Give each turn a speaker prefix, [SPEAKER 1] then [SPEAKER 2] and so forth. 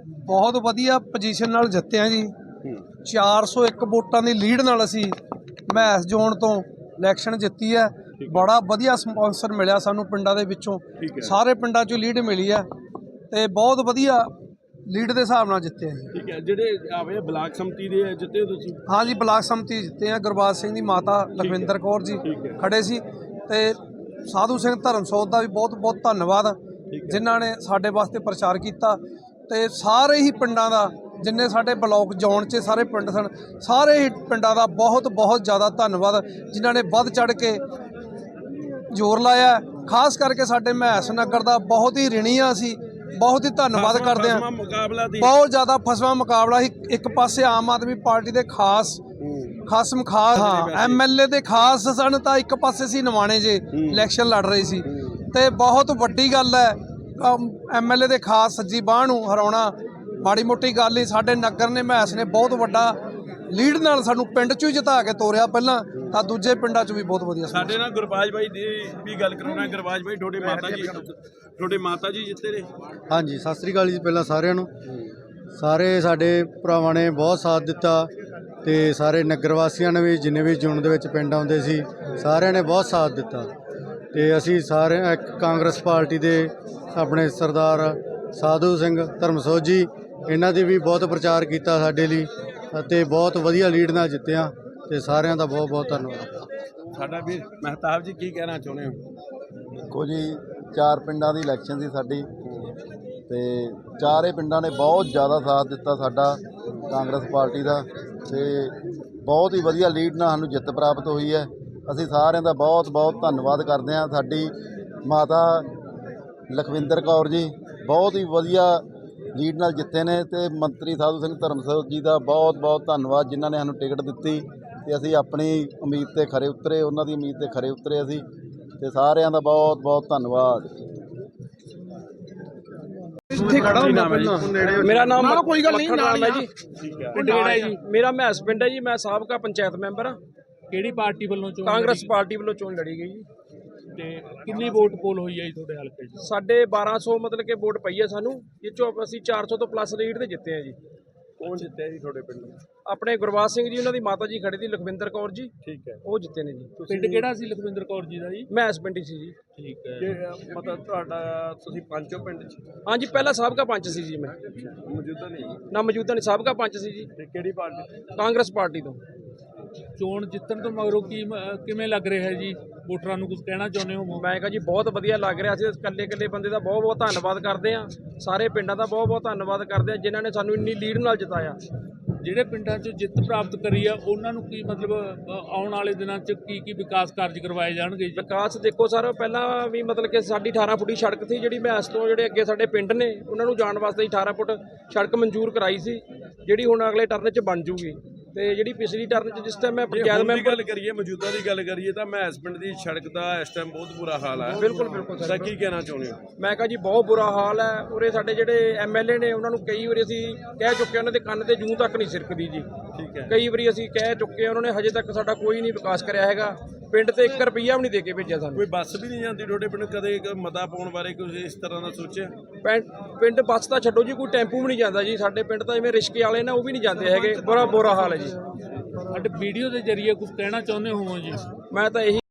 [SPEAKER 1] बहुत वधिया पोजीशन नाल जित्ते हैं जी। 401 वोटां दी लीड नाल असी महस जोन तो इलैक्शन जित्ती है। बड़ा वधिया स्पॉन्सर मिलिया सानू पिंडां दे विचों, सारे पिंडां चों लीड मिली है ते बहुत वधिया लीड के हिसाब नाल जित्ते हैं।
[SPEAKER 2] ठीक है, जिहड़े आवे ब्लाक समति दे जित्ते हो तुसीं?
[SPEAKER 1] हाँ जी, ब्लाक समति जित्ते हैं। गुरबाज सिंह दी माता लखविंदर कौर जी खड़े सी ते साधु सिंह धर्मसोत का भी बहुत बहुत धन्यवाद जिन्हां ने साडे वास्ते प्रचार किया ते सारे ही पिंडां दा जिन्ने साडे ब्लॉक जोन च सारे पिंड सन सारे ही पिंडां दा बहुत बहुत ज़्यादा धन्यवाद जिन्हां ने वध चढ़ के जोर लाया। खास करके साडे महस नगर दा बहुत ही ऋणी आ असीं, बहुत ही धन्यवाद करते हैं। बहुत ज़्यादा फसवा मुकाबला ही, एक पासे आम आदमी पार्टी के खास खसम खास हाँ MLA के खास सन तो एक पासे सी नवाणे जे इलैक्शन लड़ रहे सी ते बहुत वड्डी गल है MLA के खास सज्जी बांह नूं हराउणा माड़ी मोटी गल नहीं। साडे नगर ने महस ने बहुत वड्डा लीड नाल सानू पिंड चों जिता के तोरिया पहलां तां दूजे पिंडां चों भी बहुत वधिया।
[SPEAKER 2] साडे नाल गुरबाज भाई दी भी गल कराउणा। गुरबाज भाई ਤੁਹਾਡੇ ਮਾਤਾ ਜੀ ਜਿੱਤੇ ਨੇ?
[SPEAKER 3] हाँ जी, सत श्री अकाल जी। पहला सारिਆਂ ਨੂੰ ਸਾਰੇ ਸਾਡੇ ਭਰਾਵਾਂ ਨੇ ਬਹੁਤ ਸਾਥ ਦਿੱਤਾ ਤੇ ਸਾਰੇ ਨਗਰ ਵਾਸੀਆਂ ਨੇ ਵੀ ਜਿੰਨੇ ਵੀ ਜੂਨ ਦੇ ਵਿੱਚ ਪਿੰਡ ਆਉਂਦੇ ਸੀ ਸਾਰਿਆਂ ਨੇ ਬਹੁਤ ਸਾਥ ਦਿੱਤਾ ਤੇ ਅਸੀਂ ਸਾਰੇ ਇੱਕ ਕਾਂਗਰਸ ਪਾਰਟੀ ਦੇ ਆਪਣੇ ਸਰਦਾਰ ਸਾਧੂ ਸਿੰਘ ਧਰਮਸੋਤ ਜੀ ਇਹਨਾਂ ਦੀ ਵੀ ਬਹੁਤ ਪ੍ਰਚਾਰ ਕੀਤਾ ਸਾਡੇ ਲਈ ਅਤੇ ਬਹੁਤ ਵਧੀਆ ਲੀਡ ਨਾਲ ਜਿੱਤਿਆ ਤੇ ਸਾਰਿਆਂ ਦਾ ਬਹੁਤ ਬਹੁਤ ਧੰਨਵਾਦ।
[SPEAKER 2] ਸਾਡਾ ਵੀਰ ਮਹਿਤਾਬ ਜੀ ਕੀ ਕਹਿਣਾ ਚਾਹੁੰਦੇ ਹੋ?
[SPEAKER 4] देखो जी, 4 पिंडां दी इलैक्शन सी साडी ते चारे पिंडां ने बहुत ज़्यादा साथ दिता साडा कांग्रेस पार्टी दा ते बहुत ही वधिया लीड नाल सानूं जिੱਤ प्राप्त हुई है। असीं सारिਆਂ ਦਾ बहुत बहुत धन्नवाद करते हैं। साडी माता लखविंदर कौर जी बहुत ही वधिया लीड नाल जिੱਤੇ ने ते मंत्री साधु सिंह धर्मसोत जी का बहुत बहुत धन्नवाद जिन्हां ने सानूं टिकट दित्ती ते असीं अपनी उम्मीद ते खरे उतरे, उन्हां दी उम्मीद ते खरे उतरे असीं ਤੇ ਸਾਰਿਆਂ ਦਾ ਬਹੁਤ ਬਹੁਤ ਧੰਨਵਾਦ।
[SPEAKER 5] मेरा नाम कोई गल नहीं नाम है जी, जी मेरा महस पिंड है जी। मैं साबका पंचायत मैंबर हाँ।
[SPEAKER 6] ਕਿਹੜੀ ਪਾਰਟੀ ਵੱਲੋਂ ਚੋਣ?
[SPEAKER 5] कांग्रेस पार्टी वालों चोन लड़ी गई जी।
[SPEAKER 6] ਤੇ ਕਿੰਨੀ ਵੋਟ ਪੋਲ ਹੋਈ ਹੈ ਜੀ ਤੁਹਾਡੇ ਹਲਕੇ 'ਚ?
[SPEAKER 5] साढ़े 1200 मतलब कि वोट पई है सानू, ये चो असीं 400 तो प्लस लीड ते जिते हैं जी।
[SPEAKER 2] ਕੌਣ ਜਿੱਤਿਆ ਜੀ ਤੁਹਾਡੇ ਪਿੰਡ?
[SPEAKER 5] अपने गुरबाज सिंह जी, उन्होंने माता जी खड़ी थी लखविंदर कौर जी,
[SPEAKER 2] ਠੀਕ ਹੈ।
[SPEAKER 5] वो जिते ने जी।
[SPEAKER 6] ਪਿੰਡ ਕਿਹੜਾ ਸੀ ਲਖਵਿੰਦਰ ਕੌਰ ਜੀ ਦਾ ਜੀ?
[SPEAKER 5] महस पिंड सी जी।
[SPEAKER 6] ਠੀਕ ਹੈ।
[SPEAKER 2] ਮਤਲਬ ਤੁਹਾਡਾ ਤੁਸੀਂ ਪੰਚੋ ਪਿੰਡ ਚ?
[SPEAKER 5] हाँ जी, पहला साबका पंच सी जी मैं,
[SPEAKER 2] ਮੌਜੂਦਾ ਨਹੀਂ
[SPEAKER 5] ना मौजूदा नहीं साबका पंच सी जी
[SPEAKER 2] ਤੇ ਕਿਹੜੀ ਪਾਰਟੀ?
[SPEAKER 5] कांग्रेस पार्टी तो।
[SPEAKER 6] ਚੋਣ ਜਿੱਤਣ ਤੋਂ ਮਗਰੋਂ ਕਿਵੇਂ ਲੱਗ ਰਿਹਾ ਹੈ ਜੀ? ਵੋਟਰਾਂ ਨੂੰ ਕੁਝ ਕਹਿਣਾ ਚਾਹੁੰਦੇ ਹੋ?
[SPEAKER 5] मैं कहा जी बहुत वधिया लग रहा। ਅਸੀਂ ਇਕੱਲੇ ਇਕੱਲੇ ਬੰਦੇ ਦਾ ਬਹੁਤ ਬਹੁਤ ਧੰਨਵਾਦ ਕਰਦੇ ਹਾਂ। ਸਾਰੇ ਪਿੰਡਾਂ ਦਾ ਬਹੁਤ ਬਹੁਤ ਧੰਨਵਾਦ ਕਰਦੇ ਹਾਂ ਜਿਨ੍ਹਾਂ ਨੇ ਸਾਨੂੰ ਇੰਨੀ ਲੀਡ ਨਾਲ ਜਿਤਾਇਆ।
[SPEAKER 6] ਜਿਹੜੇ ਪਿੰਡਾਂ 'ਚ ਜਿੱਤ ਪ੍ਰਾਪਤ ਕਰੀ ਆ ਉਹਨਾਂ ਨੂੰ ਕੀ ਮਤਲਬ ਆਉਣ ਵਾਲੇ ਦਿਨਾਂ 'ਚ ਕੀ ਵਿਕਾਸ ਕਾਰਜ ਕਰਵਾਏ ਜਾਣਗੇ ਜੀ?
[SPEAKER 5] ਵਿਕਾਸ ਦੇਖੋ ਸਰ, ਪਹਿਲਾਂ ਵੀ ਮਤਲਬ ਕਿ ਸਾਡੀ 18 ਫੁੱਟੀ ਸੜਕ ਸੀ ਜਿਹੜੀ ਮੈਸ ਤੋਂ ਜਿਹੜੇ ਅੱਗੇ ਸਾਡੇ ਪਿੰਡ ਨੇ ਉਹਨਾਂ ਨੂੰ ਜਾਣ ਵਾਸਤੇ 18 ਫੁੱਟ ਸੜਕ ਮਨਜ਼ੂਰ ਕਰਾਈ ਸੀ, ਜਿਹੜੀ ਹੁਣ ਅਗਲੇ ਟਰਨ 'ਚ ਬਣ ਜੂਗੀ। ਤੇ ਜਿਹੜੀ ਪਿਛਲੀ ਟਰਨ 'ਚ ਜਿਸ ਟਾਈਮ ਮੈਂ ਪੰਚਾਇਤ ਮੈਂਬਰ
[SPEAKER 2] ਗੱਲ ਕਰੀਏ, ਮੌਜੂਦਾ ਦੀ ਗੱਲ ਕਰੀਏ ਤਾਂ ਮਹਿਸ ਪਿੰਡ ਦੀ ਸੜਕ ਦਾ ਇਸ ਟਾਈਮ ਬਹੁਤ ਬੁਰਾ ਹਾਲ ਹੈ।
[SPEAKER 5] ਬਿਲਕੁਲ ਬਿਲਕੁਲ
[SPEAKER 2] ਸਰ, ਕੀ ਕਹਿਣਾ ਚਾਹੁੰਦੇ ਹੋ?
[SPEAKER 5] ਮੈਂ ਕਹਾਂ ਜੀ ਬਹੁਤ ਬੁਰਾ ਹਾਲ ਹੈ। ਉਰੇ ਸਾਡੇ ਜਿਹੜੇ MLA ਨੇ ਉਹਨਾਂ ਨੂੰ ਕਈ ਵਾਰੀ ਅਸੀਂ ਕਹਿ ਚੁੱਕੇ, ਉਹਨਾਂ ਦੇ ਕੰਨ ਤੇ ਜੂੰ ਤੱਕ ਨਹੀਂ ਸਿਰਕਦੀ ਜੀ।
[SPEAKER 2] ਠੀਕ ਹੈ।
[SPEAKER 5] ਕਈ ਵਾਰੀ ਅਸੀਂ ਕਹਿ ਚੁੱਕੇ, ਉਹਨਾਂ ਨੇ ਹਜੇ ਤੱਕ ਸਾਡਾ ਕੋਈ ਨਹੀਂ ਵਿਕਾਸ ਕਰਿਆ ਹੈਗਾ। ਪਿੰਡ ਤੇ 1 ਰੁਪਈਆ ਵੀ ਨਹੀਂ ਦੇ ਕੇ ਭੇਜਿਆ ਸਾਨੂੰ।
[SPEAKER 2] ਕੋਈ ਬੱਸ ਵੀ ਨਹੀਂ ਜਾਂਦੀ ਤੁਹਾਡੇ ਪਿੰਡ? ਕਦੇ ਮਤਾ ਪਾਉਣ ਬਾਰੇ ਕੁਝ ਇਸ ਤਰ੍ਹਾਂ ਦਾ ਸੋਚਿਆ?
[SPEAKER 5] ਪਿੰਡ ਬੱਸ ਤਾਂ ਛੱਡੋ ਜੀ, ਕੋਈ ਟੈਂਪੂ ਵੀ ਨਹੀਂ ਜਾਂਦਾ ਜੀ ਸਾਡੇ ਪਿੰਡ ਤਾਂ। ਜਿਵੇਂ ਰਿਸ਼ਕੇ ਵਾਲੇ ਨੇ ਉਹ ਵੀ ਨਹੀਂ ਜਾਂਦੇ ਹੈਗੇ। ਬੜਾ ਬੁਰਾ ਹਾਲ ਹੈ ਜੀ।
[SPEAKER 6] ਸਾਡੇ ਵੀਡੀਓ ਦੇ ਜ਼ਰੀਏ ਕੁਝ ਕਹਿਣਾ ਚਾਹੁੰਦੇ ਹੋ ਜੀ?
[SPEAKER 5] ਮੈਂ ਤਾਂ ਇਹੀ